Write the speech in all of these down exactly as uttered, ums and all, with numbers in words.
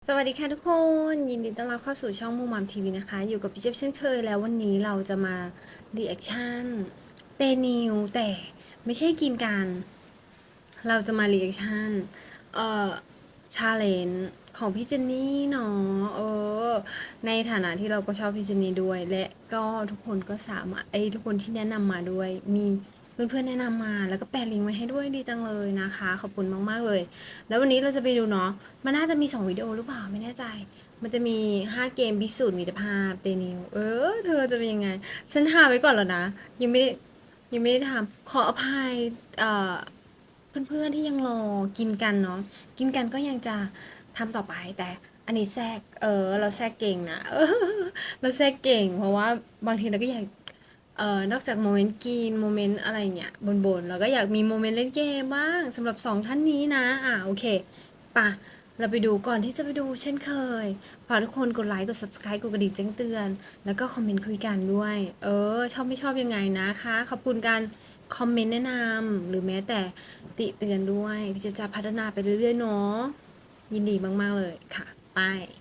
สวัสดีค่ะทุกคนยินดีต้อนรับเข้าสู่ช่องมูมัมทีวีนะคะอยู่กับพี่เจี๊ยบเช่นเคยแล้ววันนี้เราจะมารีแอคชั่นเตนิวแต่ไม่ใช่กินกันเราจะมารีแอคชั่นเอ่อชาเลนจ์ของพี่เจนนี่เนาะเออในฐานะที่เราก็ชอบพี่เจนนี่ด้วยและก็ทุกคนก็สามารถไอ้ยทุกคนที่แนะนำมาด้วยมีเพื่อนๆแนะนำมาแล้วก็แปะลิงก์ไว้ให้ด้วยดีจังเลยนะคะขอบคุณมากๆเลย แล้ววันนี้เราจะไปดูเนาะ มันน่าจะมีสองวิดีโอหรือเปล่าไม่แน่ใจ มันจะมีห้าเกมพิสูจน์มิตรภาพเตนิวเออเธอจะเป็นยังไง ฉันหาไว้ก่อนแล้วนะ ยังไม่ได้ยังไม่ได้ทำขออภัยเอ่อเพื่อนๆที่ยังรอกินกันเนาะ กินกันก็ยังจะทำต่อไปแต่อันนี้แทรกเออเราแทรกเก่งนะเออเราแทรกเก่งเพราะว่าบางทีเราก็อยาก เอ่อนอกจากโมเมนต์กินโมเมนต์อะไรเงี้ยบนๆแล้วก็อยากมีโมเมนต์เล่นเกมบ้างสำหรับสองท่านนี้นะอ่ะโอเคปะเราไปดูก่อนที่จะไปดูเช่นเคยฝากทุกคนกดไลค์กด ซับสไครบ์ กดกระดิ่งแจ้งเตือนแล้วก็คอมเมนต์คุยกันด้วย เออชอบไม่ชอบยังไงนะคะขอบคุณการคอมเมนต์แนะนำหรือแม้แต่ติเตือนด้วยพี่จะจะพัฒนาไปเรื่อยๆเนาะยินดีมากๆเลยค่ะไป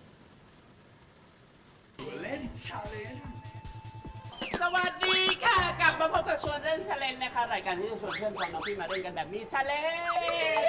สวัสดีค่ะกลับมาพบกับชวนเล่นชาเลนจ์นะคะรายการที่จะชวนเพื่อนของน้องพี่มาเล่นกันแบบมีชาเลนจ์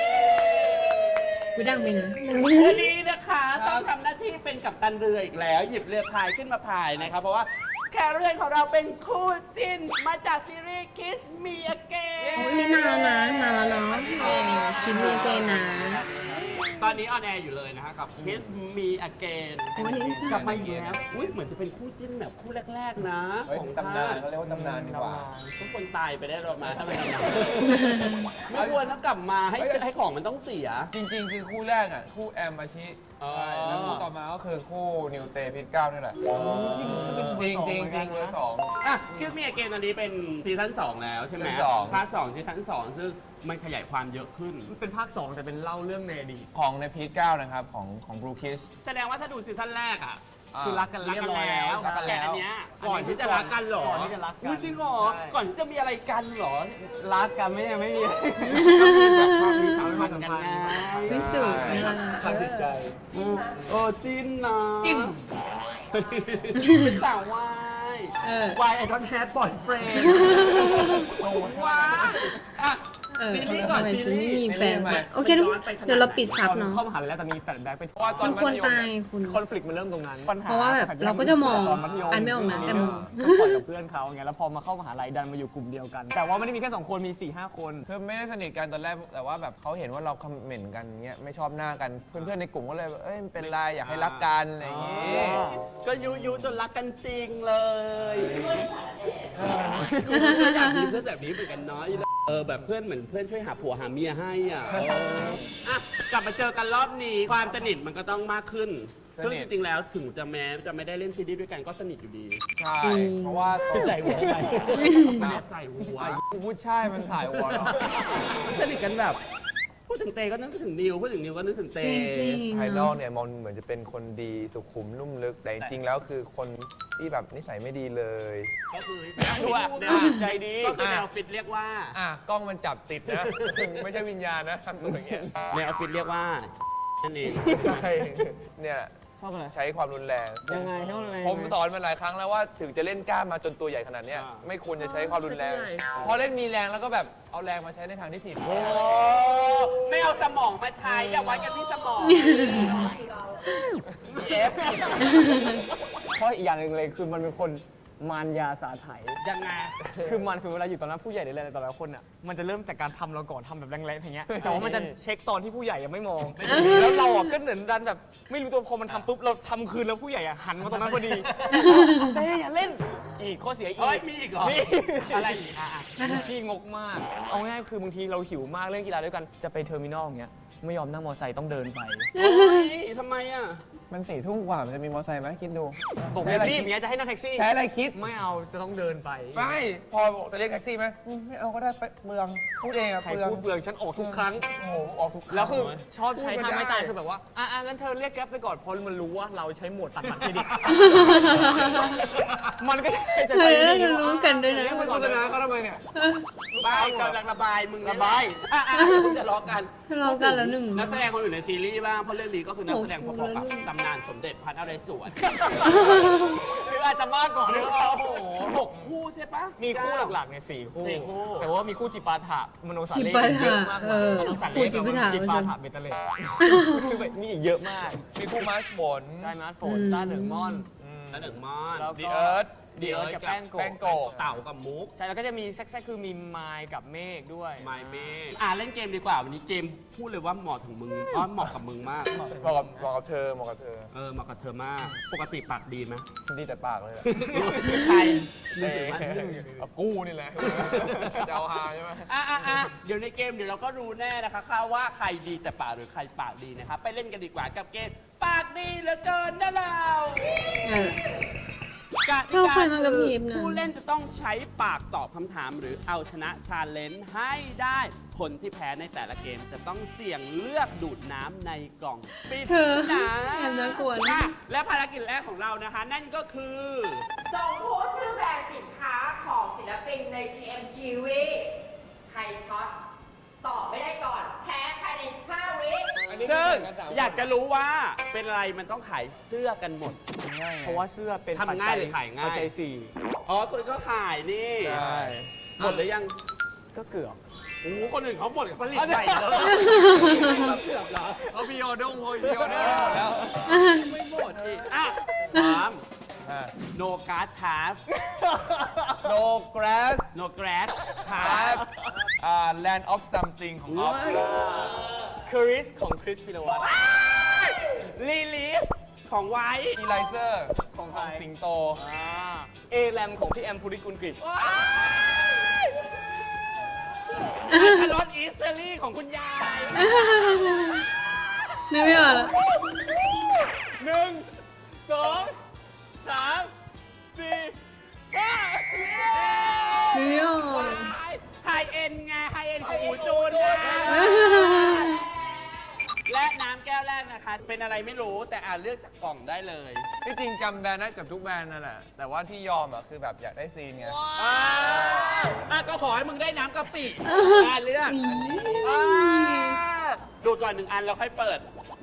กูดังไปนะวันนี้นะคะต้องทำหน้าที่เป็นกัปตันเรืออีกแล้ว หยิบเรือพายขึ้นมาพายนะครับเพราะว่าแขกเรือของเราเป็นคู่จิ้นมาจากซีรีส์ Kiss Me Again โอ้ยนี่นานแล้วนะนานแล้วเนาะเออชิ้นนี้เกนนะตอนนี้ออนแอร์อยู่เลยนะฮะกับ Kiss Me Again โอ้ยนี่กลับมาอีกแล้วอุ้ยเหมือนจะเป็นคู่จิ้นแบบคู่แรกๆนะเฮ้ยของตำนานภเขาเรียกว่าตำนานดีกว่าทุกคนตายไปได้หรอมาถ้าเป็นตำนานไม่ควรต้องกลับมาให้ให้ของมันต้องเสียจริงๆ คือคู่แรกอ่ะ คู่แอมมาชิอ๋อใช่แล้วคู่ต่อมาก็คือคู่นิวเตพิทเก้านี่แหละจริงๆจริงๆจริงๆเบอร์สองอ่ะคิดมีเกมตอนนี้เป็นซีซั่นสองแล้วใช่ไหมซีซั่นสองภาคสองซีซั่นสองซึ่งมันขยายความเยอะขึ้นเป็นภาคสองแต่เป็นเล่าเรื่องในอดีตของในพีทเก้านะครับ ของของบรูคิสแสดงว่าถ้าดูซีซั่นแรกอ่ะคือรักกันรักเรียกับ นร้อยแล้วรักกันแต่แล้วอันเนี้ยก่อนที่จะรักกันเหรอก่อนที่จะรักกันอุ๊ยจริงเหรอใช่ก่อนที่จะมีอะไรกันเหรอรักกันไม่ยังไม่มีความมีสัมพันธ์กันไงพิสูจน์นะทางจิตใจอืมโอ้จิ้นนะจิ้นเป็นสาววายเออวายไอดอนแฮดบอยเฟรนด์ว้าอ่ะเออซีรีส์ก่อนทำไมซีฉันรีไม่ส์มีแฟนวะโอเคทุกคนเดี๋ยวเราปิดซับเนาะเข้ามหาลัยแล้วแต่มีแฟลชแบ็กไปเพราะว่าตอมัน นมัควรธยมตายเนี่ยคุณคอนฟ lict มันเริ่มตรงนั้นปัญหาเพราะว่าแบบเราก็จะมองตมัธยอันไม่ออกนะแต่มองก่อนกับเพื่อนเขาไงแล้วพอมาเข้ามหาลัยดันมาอยู่กลุ่มเดียวกัน แต่ว่าไม่ได้มีแค่สองคนมีสี่ห้าคนคือไม่ได้สนิทกันตอนแรก แต่ว่าแบบเขาเห็นว่าเราคอมเมนต์กันเงี้ย ไม่ชอบหน้ากัน เพื่อนๆในกลุ่มก็เลยแบบเอ้ยเป็นไรอยากให้รักกันอะไรอย่างงี้ก็ยุยุจนรักกันจริงเลยอยากมีเพื่อนแบบนี้เหมือนกันเนาะเออแบบเพื่อนเหมือนเพื่อนช่วยหาผัวหาเมียให้อ่ะเอออ่ะกลับมาเจอกันรอบนี้ความสนิทมันก็ต้องมากขึ้นสซึ่งนิจทริงๆแล้วถึงจะแม้จะไม่ได้เล่นซีรีส์ด้วยกันก็สนิทอยู่ดีใช่จริงเพราะว่าใส่หัวใส่ใส่หัวกูพูดใช่มันถ่ายหัวเราสนิทกันแบบพูดถึงเตก็นึกถึงนิวพูดถึงนิวก็นึกถึงเตจริงจริงภายนอกเนี่ยมองเหมือนจะเป็นคนดีสุขุมนุ่มลึก แต่จริงๆแล้วคือคนที่แบบนิสัยไม่ดีเลยก็คือด้วยแนวใจดีก็คือแนวฟิตเรียกว่าอ่ะกล้องมันจับติดนะ ไม่ใช่วิญญาณนะทำตัวอย่างเงี้ยแนวฟิตเรียกว่านั่นเองใช่เนี่ยชอบอะไรใช้ความรุนแรงยังไงชอบอะไรผมสอนมาหลายครั้งแล้วว่าถึงจะเล่นกล้ามมาจนตัวใหญ่ขนาดเนี้ยอ่าไม่ควรจะใช้ความรุนแรงตัวใหญ่พอเล่นมีแรงแล้วก็แบบเอาแรงมาใช้ในทางที่ผิดโอ้ไม่เอาสมองมาใช้อย่าวัดกันที่สมองเอฟเพราะอีกอย่างหนึ่งเลยคือมันเป็นคนมารยาสาไถยังไงคือมันสมมติเวลาอยู่ตอนนั้นผู้ใหญ่หรืออะไรแต่ละคนอ่ะมันจะเริ่มจากการทำเราก่อนทำแบบแรงๆอย่างเงี้ยแต่ว่ามันจะเช็คตอนที่ผู้ใหญ่ยังไม่มองแล้วเราอ่ะก็เหมือนดันแบบไม่รู้ตัวพอมันทำปุ๊บเราทำคืนแล้วผู้ใหญ่อ่ะหันมาตรงนั้นพอดีเต้อย่าเล่นอีกข้อเสียอีเอ้ยกมีอีกเหรอมีอะไรอีกอ่ะอ่ะขี้งกมากเอาง่ายๆคือบางทีเราหิวมากเล่นกีฬาด้วยกันจะไปเทอร์มินอลอย่างเงี้ยไม่ยอมนั่งมอเตอร์ไซค์ต้องเดินไปเฮ้ยทำไมอ่ะมันสี่ทุ่มกว่ามันจะมีมอเตอร์ไซค์ไหมคิดดูบอกใช้อะไรรีบคิๆดเนี้ยจะให้นั่งแท็กซี่ใช้อะไรคิดไม่เอาจะต้องเดินไปไม่พอบอกจะเรียกแท็กซี่ไหมอืมไม่เอาก็ได้ไปเมืองพูดเองอะใครเมืองพูดเบืองฉันออกทุกครั้งโอ้โหออกทุกครั้งแล้วคือชอบใช้พูดท่าไม่ไม่ได้ตายคือแบบว่าอ่ะอ่ะงั้นเธอเรียกแก๊ปไปก่อนเพราะมันรู้ว่าเราใช้โหมดตัดบัตรเครดิต มันก็จะจะเฮ้ใช้ยเรารู้กันด้วยนะเรียกไปก่อนนะก็ทำไมเนี่ยบายกำลังระบายมึงนี่แหลระบายอ่ะอ่ะมึงจะล้อกันทะเลาะกันแล้วหนึ่งนักแสดงคนอื่นในซีรีส์บ้างเพราะเรื่องนี้ก็คือนักแสดงพโอ้อโหๆกับแล้วตำนานสมเด็จพระนเรศวรหรืออาจจะมากกว่าหหรืรือ อเปเปล่าล่าโอ้โหหกคู่ใช่ปะมีคู่หลักๆเนี่ยสี่คู่สี่คู่แต่ว่ามีคู่จิปาถะมโนสาจิเล่ปาเยถะอะมากเออมโนสาโอ้เล่จิปาถะจิปาถะเบตเตเลตคือแบบมีอีกเยอะมากมีคู่มาร์ชบนใช่มาร์ทโฟนต้าเหนิงม่อนแล้วหนึ่งมอนแล้วดีก็เอิร์ธดีเอิร์ธกับแป้งโกะแป้งโกะเต่ากับมุกใช่แล้วก็จะมีแซกๆคือมีไมล์กับเมฆด้วยไมเมอ่ะเล่นเกมดีกว่าวันนี้เกมพูดเลยว่าเหมาะถึงมึงเพราะเหมาะกับมึงมากเหมาะกับเหมาะกับเธอเหมาะกับเธอเออเหมาะกับเธอมาก ปกติปากดีไหมดีแต่ปากเลยแหละใครเออเอากู้นี่แหละจะเอาฮาใช่ไหมอ่ะอ่ะอ่ะเดี๋ยวในเกมเดี๋ยวเราก็รู้แน่นะคะค่ะว่าใครดีแต่ปากหรือใครปากดีนะครับไปเล่นกันดีกว่ากับเกมปากดีเหลือเกินนะเราเออกติเรากาเคยมากับทีมนะผู้เล่นจะต้องใช้ปากตอบคำถามหรือเอาชนะชาเลนจ์ให้ได้คนที่แพ้ในแต่ละเกมจะต้องเสี่ยงเลือกดูดน้ำในกล่องปริศเธอนาแอบน่ากลัวนะอ่ะและภารกิจแรกของเรานะคะ นั่นก็คือส่งผู้ชื่อแบรนด์สินค้าของศิลปินใน จี เอ็ม ที วี ใครช็อต ตอบไม่ได้ก่อน แพ้ภายในห้าวิซึ่งอยากจะรู้ว่าเป็นอะไรมันต้องขายเสื้อกันหมดเพราะว่าเสื้อเป็นทำง่ายหรือขายง่ายปัจจัยสี่อ๋อคุณก็ขายนี่ใช่หมดหรือยังก็เกือบโอ้โหคนอื่นเขาหมดผลิตใหม่เลยเกือบเหรอเขาพีออเดอร์เขาพีออเดอร์หมดแล้วไม่หมดอีกอ่ะสามโนการ์ดทาร์ฟ no grass โนกราสทาร์ have ฟอ่า land of something ของออฟคริสของคริสพิรวัตรลีลีสของไว้อีไลเซอร์ของขใครองสิงโตเอแรมของพี่แอมภูริกุลกฤษคารอนอีสเซอรี่ของคุณยายนึกไม่ออกแล้วหนึ่งสองสามสี่ห้านึกไม่ออกไฮเอ็นไงไฮเอ็นของอูจูนไงและน้ำแก้วแรกนะคะ เป็นอะไรไม่รู้แต่อ่านเลือกจากกล่องได้เลยที่จริงจำแบรนด์ได้เกับทุกแบรนด์นั่นแหละ แต่ว่าที่ยอมอ่ะคือแบบอยากได้ซีนไงอ่าอ่ะก็ขอให้มึงได้น้ำกะปิอ่าเลือกอ่าดูดก่อนหนึ่งอันแล้วค่อยเปิด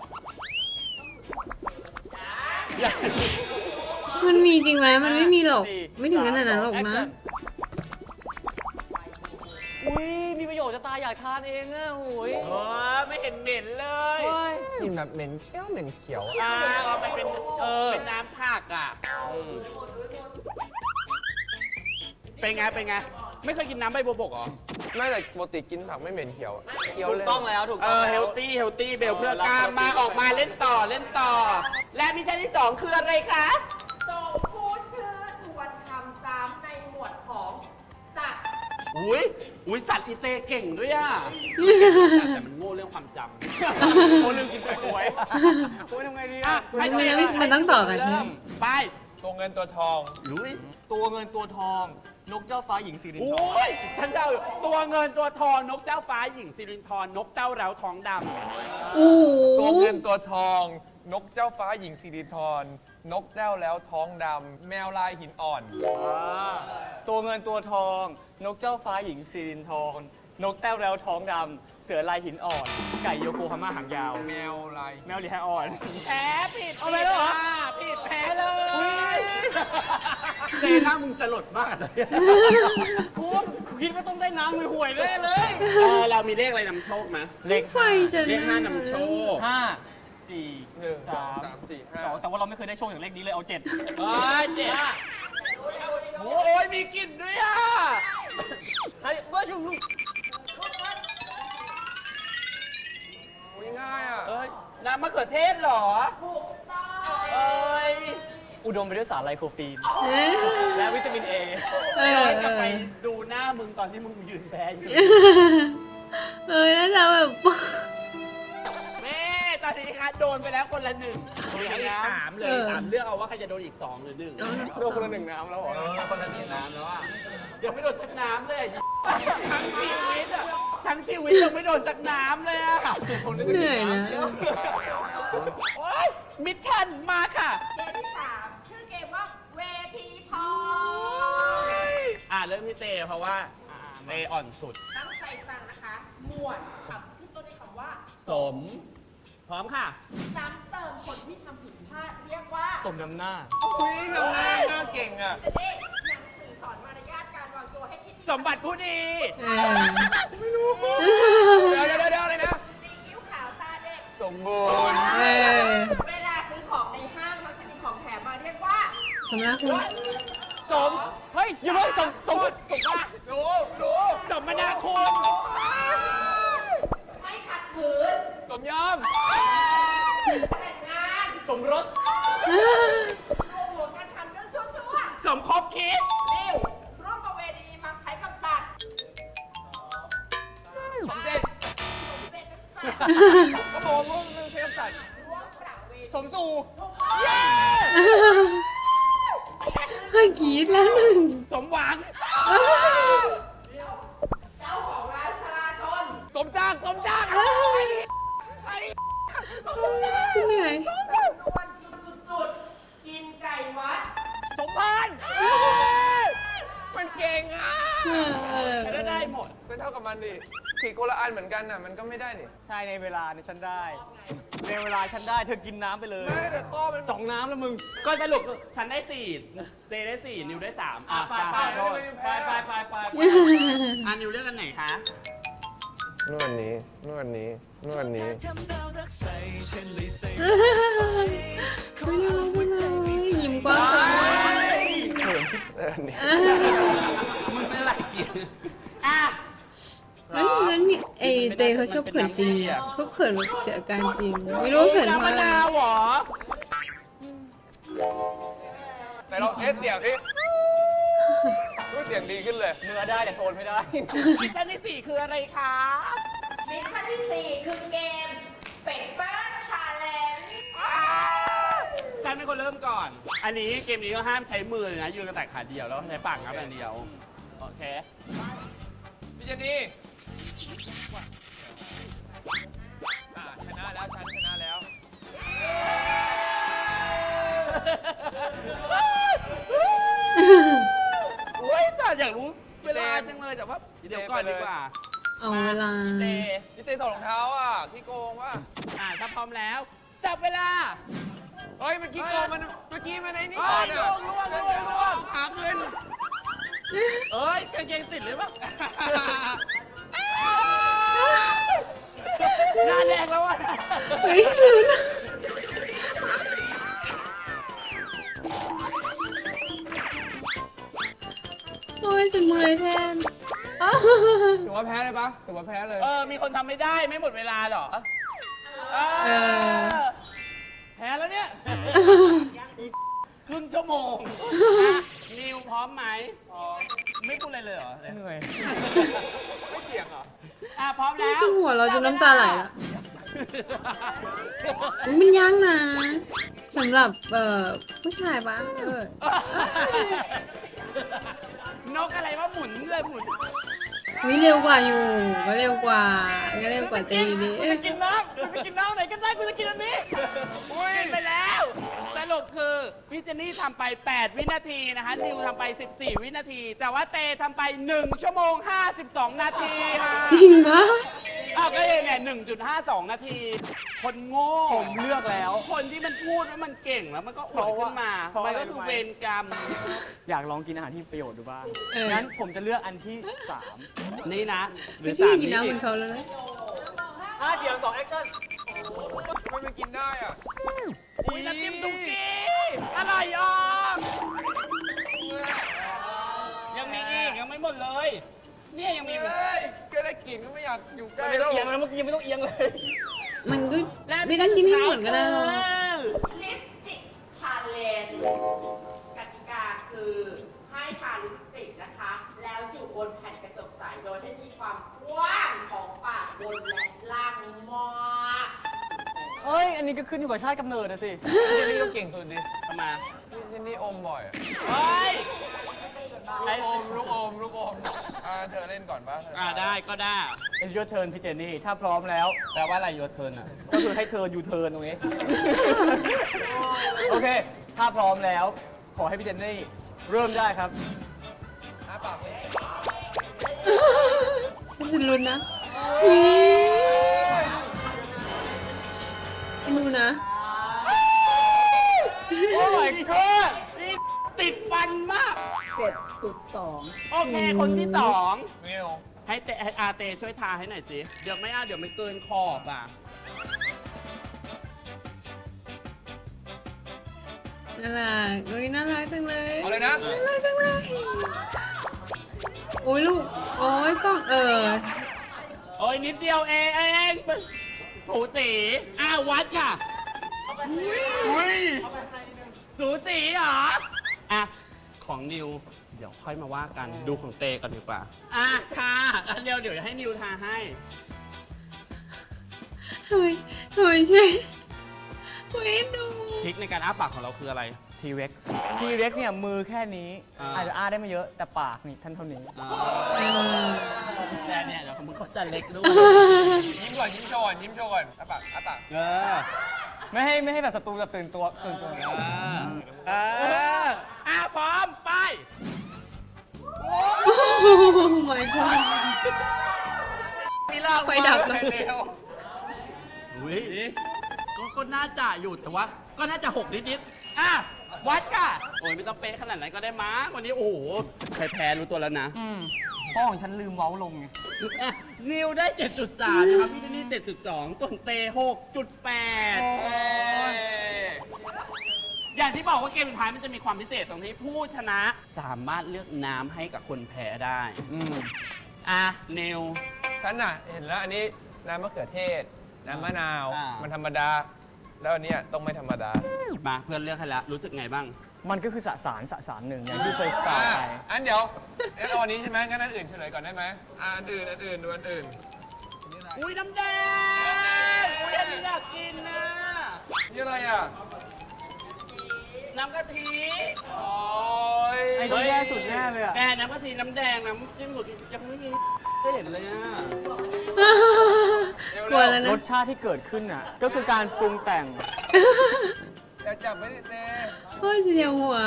มันมีจริงไหมมันไม่มีหรอก ไม่ถึงขนาดนั้นหรอกนะอุ้ยมีประโยชน์จะตายอยากทานเองอ่ะโอ้ยโอ้ไม่เห็นเหม็นเลยกลินแบบเหม็นเขียวเหม็นเขียวอ่าเอาไปเป็นเออเป็นน้ำผักอ่ะอืมเป็นไง เป็นไง ไม่เคยกินน้ำใบบัวบกเหรอไม่แต่ปกติกินผักไม่เหม็นเขียวอะเขียวถูเลกยต้องแล้วถูกเอต้องอแล้วเฮลตี้ เฮลตี้ เบลเพื่อกล้ามมาออกมาเล่นต่อ เล่นต่อ และมิชชั่นที่สองคืออะไรคะส่งผู้ชื่อทวนคำซ้ำในหมวดของสัตว์อุ้ยอุ้ยสัตว์อีเตเก่งด้วยอ่ะ แต่มันโง่เรื่องความจำโอ้ลืมกินแต่กล้วยโอ้ยทำไงดีอ่ะอ่ะมันต้องมันต้องต่อกันใช่ไหมเริ่มไปตัวเงินตัวทองลุยตัวเงินตัวทอง นกเจ้าฟ้าหญิงสิรินทรโอ้ยฉันจะเอาตัวเงินตัวทองนกเจ้าฟ้าหญิงสิรินทรนกเต้าเราท้องดำโอ้โหตัวเงินตัวทอง นกเจ้าฟ้าหญิงสิริธรนกแต้วแล้วท้องดำแมวลายหินอ่อนตัวเงินตัวทอง นกเจ้าฟ้าหญิงสิรินทรนกแต้วแล้วท้องดำเสือลายหินอ่อน ไก่โยโกฮาม่าหางยาวแมวลายแมวลีแฮอ่อนแพ้ผิดเอาไปแล้วเหรอผิดแพ้เลยเซน่ามึงสลดมากเลยคุณคิดว่าต้องได้น้ำมือห่วยแน่เลยเออเรามีเลขอะไรนำโชคไหมเลขไฟฉันเลขห้านำโชคห้าสี่หนึ่งสอสาง มสามสี่ห้าสองแต่ว่าเราไม่เคยได้โชคอย่างเลขนี้เลยเอาเจ็ดเอ้ยเจ็ดโอ้ยมีกลิ่นด้วยอ่ะเฮ้ยว่าชุมโอ้ยง่ายอ่ะเอ้ยน้ำมะเขือเทศเหรอถูกต้องเอ้ยอุดมไปด้วยสารไลโคปีนเอ๊ะและวิตามินเอเออย้อนเอกลับไปอดูหน้ามึงตอนที่มึงยืนแพ้อยู่เออน่าจะแบบแม่ตอนนี้ค่ะโดนไปแล้วคนละหนึ่งเหลืออีกสามเลยสามเลือกเอาว่าใครจะโดนอีกสองหรือหนึ่งโดนคนละหนึ่งน้ำแล้วเหรอเออคนละหนึ่งน้ำแล้วอ่ะยังไม่โดนสักน้ำเลยทั้งชีวิตอ่ะทั้งชีวิตยังไม่โดนสักน้ำเลยอ่ะเหนื่อยนะโอ๊ยมิชชั่นมาค่ะเกมที่สามชื่อเกมว่าเวทีทองอ่าเริ่มที่เตเพราะว่าเตอ่อนสุดตั้งใจฟังนะคะ หมวดคำที่ต้นด้วยคำว่าสม พร้อมค่ะซ้ำเติมคนที่ทำผิดพลาดเรียกว่าสมน้ำหน้าอุ้ยทำหน้าหน้าเก่งอ่ะจะได้หนังสือสอนมารยาทการวางตัวให้คิดดีสมบัติผู้ดีเออเดี๋ยวเดี๋ยวเดี๋ยวอะไรนะซีอิ๊วขาวตาเด็กสมบูรณ์เออเวลาซื้อของในห้างมักจะมีของแถมมาเรียกว่าสมรักคุณสมเฮ้ยอย่าเพิ่งสมสมสมว่ารู้รู้สมนาคุณไม่ขัดขืนสมยอมแต่งงานสมรสรวมหัวกันทำเรื่องชั่วสมคบคิดๆนิ้วร่วมประเวณีมักใช้กับสัตว์สมเจ็ดเศษกับสัตว์ก็บอกว่าพวกมึงใช้กับสัตว์ร่วมประเวณีสมสู่ถูกต้องเฮ้ยกรีดแล้วหนึ่งสมหวังเจ้าของร้านชลาชนสมจ้างสมจ้างเหนื่อยจำนวนจุดๆๆกินไก่วัดสมพานมันเก่งอ่ะเออเออแต่ได้หมดเป็นเท่ากับมันดิผิดคนละอันเหมือนกันน่ะ มันก็ไม่ได้นี่ใช่ในเวลาในฉันได้ในเวลาฉันได้เธอกินน้ำไปเลยไม่แต่ข้อมันสองน้ำแล้วมึงก็สรุปฉันได้สี่เตได้สี่นิวได้สามอ่ะไปไปโทษไปไปไปไปอ่ะนิวเลือกกันไหนคะนวดนี้นวดนี้นวดนี้ไม่ได้รักเลยยิ้มกว้างจังเลยเขินคิดเออนี่มึงไม่ไรกินอ่ะเฮ้ยงั้นนี่ไอเตเขาชอบเขินจริงอ่ะพวกเขินแบบเสียอาการจริง ไม่รู้ว่าเขินเพราะอะไรน้ำมะนาวเหรอแต่เราเทสเสียงดิพูดเสียงดีขึ้นเลยเนื้อได้แต่โทนไม่ได้มิชชั่นที่สี่คืออะไรคะมิชชั่นที่สี่คือเกมเป็ดเบอร์ชาเลนจ์ฉันเป็นคนเริ่มก่อน อันนี้เกมนี้ก็ห้ามใช้มือเลยนะ ยืนกันแต่ขาเดียวแล้วใช้ปากงับอย่างเดียว โอเคพี่เจนนี่อ่าชนะแล้วฉันชนะแล้วอุ้ยแต่อยากรู้เวลาจังเลยแต่ว่าเดี๋ยวก่อนดีกว่าเอาเวลาเตพี่เต้ถอดรองเท้าอ่ะพี่โกงว่ะอ่าถ้าพร้อมแล้ว จับเวลาเฮ้ยเมื่อกี้โกงมันเมื่อกี้มันไอ้นี่เฮ้ก่อนยอ่ะล่วงล่วงล่วงล่วงหาเงินเอ้ยกางเกงติดหรือเปล่าหน้าแดงแล้วอ่ะเฮ้ยสุดโอ้ยฉันเมื่อยแทนอ้าวถือว่าแพ้เลยปะถือว่าแพ้เลยเออ มีคนทำไม่ได้ไม่หมดเวลาเหรอ เอเอออแพ้แล้วเนี่ย ครึ่งชั่วโมงอ่ะนิวพร้อมไหมพร้อมไม่พูดอะไรเลยเหรอเหนื่อยไม่เถียงเหรอ อ่ะ พร้อมแล้วฉันหัวเราะจนน้ำตาไหลละอุ๊ยมันยากนะสำหรับเอ่อผู้ชายปะเออนกอะไรว่าหมุนเลยหมุนวิเร็วกว่าอยู่ก็เร็วกว่าก็เร็วกว่าเตอยู่ดีกูจะกินน้ำกูจะกินน้ำไหนก็ได้กูจะกินอันนี้อุ้ยไปแล้ว สรุปคือพี่เจนนี่ทำไป แปด วินาทีนะคะ นิวทำไป สิบสี่ วินาที แต่ว่าเตทำไป หนึ่ง ชั่วโมง ห้าสิบสอง นาทีค่ะจริงปะอ้าวก็เลยเนี่ยหนึ่งจุดห้าสอง นาที คนโง่ผมเลือกแล้วคนที่มันพูดว่ามันเก่งแล้วมันก็อวดขึ้นมาเพราะมันอะไรก็คือรู้ไหมเวรกรรมอยากลองกินอาหารที่มีประโยชน์ดูบ้างเอองั้นผมจะเลือกอันที่สามนี่นะหรืไม่อใช่สามกินน้ำเหมือีอนเขาแล้วนะอ่ะเสียงสองแอคชั่นทำไมมันกินได้อ่ะอุ้ยน้ำจิ้มสุกี้อร่อยอ่ะยังมีอีกยังไม่หมดเลย เนี่ยยังมีอีกเฮ้ยก็ได้กลิ่นก็ไม่อยากอยู่ใกล้ไม่แล้ต้องวเอียงเลยเมื่อกี้ยังไม่ต้องเอียงเลยมันก็ไม่ต้องกินให้หมดก็ได้หรอกลิปสติกชาเลนจ์กติกาคือให้ทาลิปสติกนะคะ แล้วจุบนแผ่นกระจกใสโดยให้มีความกว้างของปากบนและล่างมากเฮ้ยนี้ก็ขึ้นอยู่กับชาติกำเนิดนะสิพี่เจนนี่ก็เก่งสุดดิทำไมพี่เจนนี่อมบ่อยอะเฮ้ยลูกอมลูกอมลูกอมอ่าเธอเล่นก่อนป่ะเธอ่าได้ก็ได้ It's your turn พี่เจนนี่ ถ้าพร้อมแล้วแปลว่าอะไรโยเทิร์นอ่ะก็คือให้เธอยูเทิร์นตรงนี้ โอเค ถ้าพร้อมแล้ว ขอให้พี่เจนนี่ เริ่มได้ครับอ้าปากสิฉันลุ้นนะนี่ไอ้หนูนะโอ้ my god นี่ติดฟันมากเจ็ดจุดสองโอเค คนที่สองนิวให้เตให้อาเตช่วยทาให้หน่อยสิ เดี๋ยวไม่อาเดี๋ยวไม่เกินขอบอ่ะน่ารักอุ้ยน่ารักจังเลยเอาเลยนะน่ารักจังเลยโอ้ยลูก โอ้ยกล้องเออโอ้ยนิดเดียวเองเองสูสีอ้าววัดค่ะอุ้ยสูสีเหรอ อ่ะ ของนิว เดี๋ยวค่อยมาว่ากัน ดูของเตก่อนดีกว่า อ่ะค่ะอ่ะเดี๋ยวเดี๋ยวให้นิวทาให้ทำไมทำไมช่วยเว้ยดูทริคในการอ้าปากของเราคืออะไร T-Rex T-Rex เนี่ยมือแค่นี้อ่าอาจจะอ้าได้ไม่เยอะ แต่ปากนี่ท่านเท่านี้เออแต่เนี่ยเดี๋ยวมึงเขาจะเล็กด้วยยิ้มก่อนยิ้มโชว์ก่อนยิ้มโชว์ก่อนอ้าปากอ้าปากเออไม่ให้ไม่ให้แบบศัตรูแบบตื่นตัวตื่นตัวเออเอออ่ะพร้อม ไปโอ้ my god มีล่างไฟดับเลแล้วยเร็วอุ้ยก็ก็น่าจะอยู่แต่ว่า ก็น่าจะหกนิดๆอ่ะ วัดค่ะ โอ้ยไม่ต้องเป๊ะขนาดนั้นก็ได้มั้งวันนี้โอ้โหใครแพ้รู้ตัวแล้วนะพ่อของฉันลืมเว้าลงไงอ่ะนิวได้ เจ็ดจุดสาม นะครับพี่เจนนี่ เจ็ดจุดสอง ส่วนเต หกจุดแปด อย่างที่บอกว่าเกมสุดท้ายมันจะมีความพิเศษตรงที่ผู้ชนะสามารถเลือกน้ำให้กับคนแพ้ได้อืมอ่ะนิวฉันน่ะเห็นแล้วอันนี้น้ำมะเขือเทศ น้ำมะนาวอ่ามัมันธรรมดา แล้วอันเนี้ยต้องไม่ธรรมดามาเพื่อนเลือกให้แล้ว รู้สึกไงบ้างมันก็คือสสารสสารหนึ่งอย่างที่เคยกล่าวอ่ะไปอันเดี๋ยวงั้นเอาอันนี้ใช่ไหมงั้นอันอื่นเฉลยก่อนได้ไหมอ่ะอันอื่นอันอื่นดูอันอื่นอุ้ยน้ำแดง อุ้ยอันนี้อยากกินนะนี่อะไรอ่ะน้ำกะทิโอ้ยไอ้ที่แย่สุดแน่เลยอะแกน้ำกะทิน้ำแดงน้ำจิ้มสุดยังไม่มีเห็นเลยอ่ะกลัวแล้วรนะสชาติที่เกิดขึ้นน่ะ ก็คือการปรุงแต่งอย่าจับไม่ได้เต้โอ้ยเสียวหัว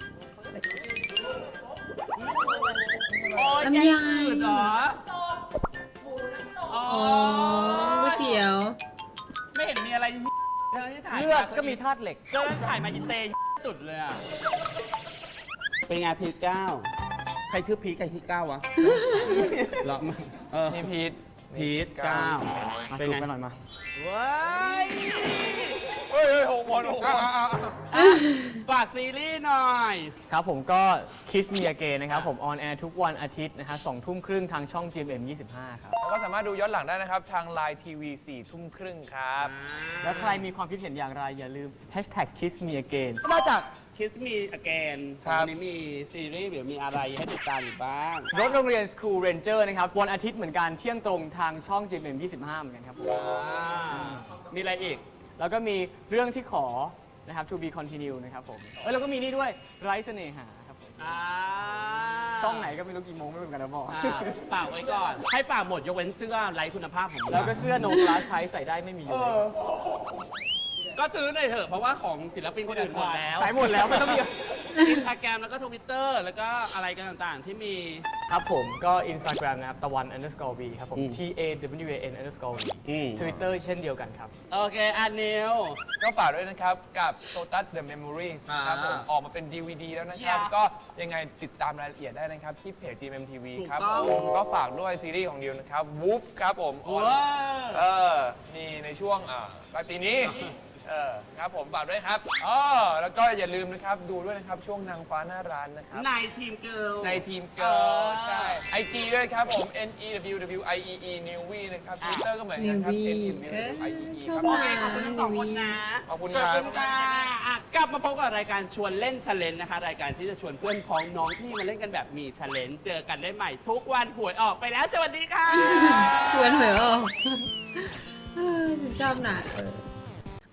โอ้ยลำไยแกงจืดเหรออ๋ออ๋อก๋วยเตี๋ยวไม่เห็นมีอะไรเธอที่ถ่ายเลือดก็มีธาตุเหล็กเกินถ่ายมาอินเตย์สุดเลยอ่ะ เป็นไงพีทเก้า ใครชื่อพีทใครพีทเก้าวะหรอมาเออนี่พีทพีทเก้ามาเป็นจุกไงไปหน่อยมาว้ายเฮ้ยเฮ้ยหกหมดหกหมดฝากซีรีส์หน่อยครับผมก็ Kiss Me Again นะครับผมออนแอร์ทุกวันอาทิตย์นะฮะสองทุ่มครึ่งทางช่อง จี เอ็ม เอ็ม ยี่สิบห้า ครับแล้วก็สามารถดูย้อนหลังได้นะครับ ทาง Line ที วี สี่ทุ่มครึ่งครับแล้วใครมีความคิดเห็นอย่างไร อย่าลืม Hashtag Kiss Me Again นอกจาก Kiss Me Again ครับวันนี้มีซีรีส์หรือมีอะไรให้ติดตามอยู่บ้างรถโรงเรียน School Ranger นะครับวันอาทิตย์เหมือนกันเที่ยงตรงทางช่อง จี เอ็ม เอ็ม ยี่สิบห้า เหมือนกันครับผมมีอะไรอีกแล้วก็มีเรื่องที่ขอนะครับ To be continue นะครับผมเอ้ยแล้วก็มีนี่ด้วยไร้เสน่หาครับผมอ่าช่องไหนก็ไม่รู้กี่โมงไม่รู้เหมือนกันนะบอกอ่าฝากไว้ก่อน ให้ฝากหมดยกเว้นเสื้อไร้คุณภาพของมึงแล้วก็เสื้อโนคลาสใช้ใส่ได้ไม่มีอยู่ก็ซื้อหน่อยเถอะ เพราะว่าของศิลปินคนอื่นหมดแล้วขายหมดแล้วไม่ต้องมีอินสตาแกรมแล้วก็ทวิตเตอร์แล้วก็อะไรกันต่างๆ ที่มีครับผมก็ Instagram นะครับตะวัน underscore v ครับผมอืม T A W A N underscore v อืม Twitter เช่นเดียวกันครับโอเคอันนิวก็ฝากด้วยนะครับ กับ Totus The Memories นะครับผมอ่าออกมาเป็น ดี วี ดี แล้วนะครับ Yeah ก็ยังไงติดตามรายละเอียดได้นะครับ ที่เพจ จี เอ็ม เอ็ม ที วีถูกครับต้องผมก็ฝากด้วยซีรีส์ของดิวนะครับ Woof ครับผมว้าเออมีในช่วงอ่าปลายปีนี้ เออครับผมฝากด้วยครับอ๋อแล้วก็อย่าลืมนะครับดูด้วยนะครับช่วงนางฟ้าหน้าร้านนะครับในทีมเกิร์ลในทีมเกิร์ลใช่ ไอจีด้วยครับผม N E W W I E E n e w นะครับอ่ะ Twitter ก็เหมือนกันครับ Newbie N E W เออ W I E E ชอบครับโอเคขอบคุณทั้งสองคนนะขอบคุณขคอบรับคุณค่ะอ่ะ กลับมาพบกับรายการชวนเล่นช l เลนนะคะ รายการที่จะชวนเพื่อนพ้องน้องที่มาเล่นกันแบบมีช l เลนเจอกันได้ใหม่ทุกวันหวยออกไปแล้ว สวัสดีค่ะควรหวยออกเออฉันชอบหนักเออ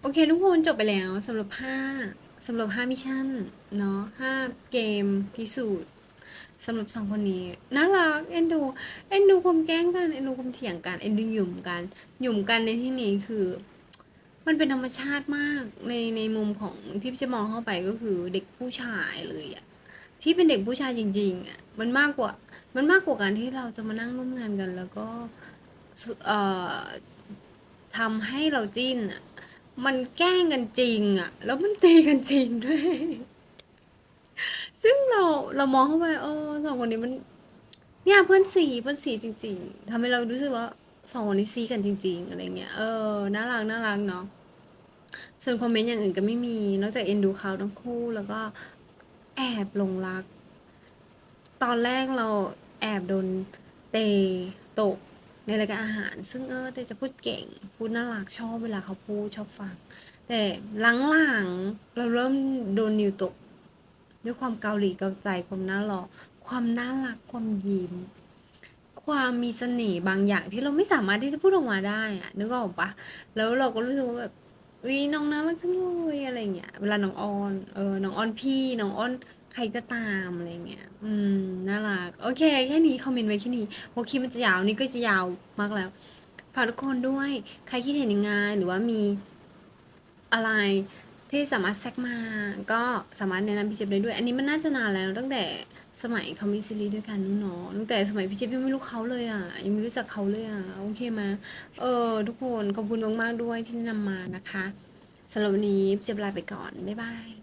โอเคทุกคนจบไปแล้วสำหรับห้าสำหรับห้ามิชชั่นเนาะห้าเกมพิสูจน์สำหรับสองคนนี้น่ารักเอ็นดูเอ็นดูความแกล้งกันเอ็นดูความเถียงกันเอ็นดูหยุ่มกันหยุ่มกันในที่นี้คือ มันเป็นธรรมชาติมากในในมุมของที่จะมองเข้าไปก็คือเด็กผู้ชายเลยอะที่เป็นเด็กผู้ชายจริงๆอะมันมากกว่ามันมากกว่าการที่เราจะมานั่งร่วมงานกัน แล้วก็สุเอ่อทำให้เราจิ้นอะมันแกล้งกันจริงอะแล้วมันตีกันจริงด้วย ซึ่งเราเรามองเข้าไปเออสองคนนี้มันเนี่ยเพื่อนสีเพื่อนสีจริงๆทำให้เรารู้สึกว่าสองคนนี้ซีกันจริง ๆอะไรเงี้ยเออน่ารักน่ารักเนาะส่วนคอมเมนต์อย่างอื่นก็ไม่มีนอกจากเอ็นดูเขาทั้งคู่แล้วก็แอบหลงรัก ตอนแรกเราแอบโดนเตะตกในรายการอาหาร ซึ่งเออเตจะพูดเก่งพูดน่ารักชอบเวลาเขาพูดชอบฟัง แต่หลังๆเราเริ่มโดนนิวตก ด้วยความเกาหลีเกาใจความน่าหล่อความน่ารักความยิ้ม ความมีเสน่ห์บางอย่างที่เราไม่สามารถที่จะพูดออกมาได้อะนึกออกปะแล้วเราก็รู้สึกว่าแบบอุ้ยน้องน่ารักจังเลยอะไรเงี้ยเวลาน้องออนเออน้องออนพี่น้องออนใครก็ตามอะไรเงี้ยอืมน่ารักโอเคแค่นี้คอมเมนต์ไว้แค่นี้เพราะคลิปมันจะยาวนี่ก็จะยาวมากแล้วฝากทุกคนด้วยใครคิดเห็นยังไงหรือว่ามีอะไรที่สามารถแซกมาก็สามารถแนะนำพี่เจี๊ยบได้ด้วย อันนี้มันน่าจะนานแล้วตั้งแต่สมัยเขามีซีรีส์ด้วยกันนู้นเนาะตั้งแต่สมัยพี่เจี๊ยบยังไม่รู้เขาเลยอ่ะยังไม่รู้จักเขาเลยอ่ะโอเคไหมเออทุกคนขอบคุณมากๆด้วยที่แนะนำมานะคะสำหรับวันนี้พี่เจี๊ยบลาไปก่อนบ๊ายบาย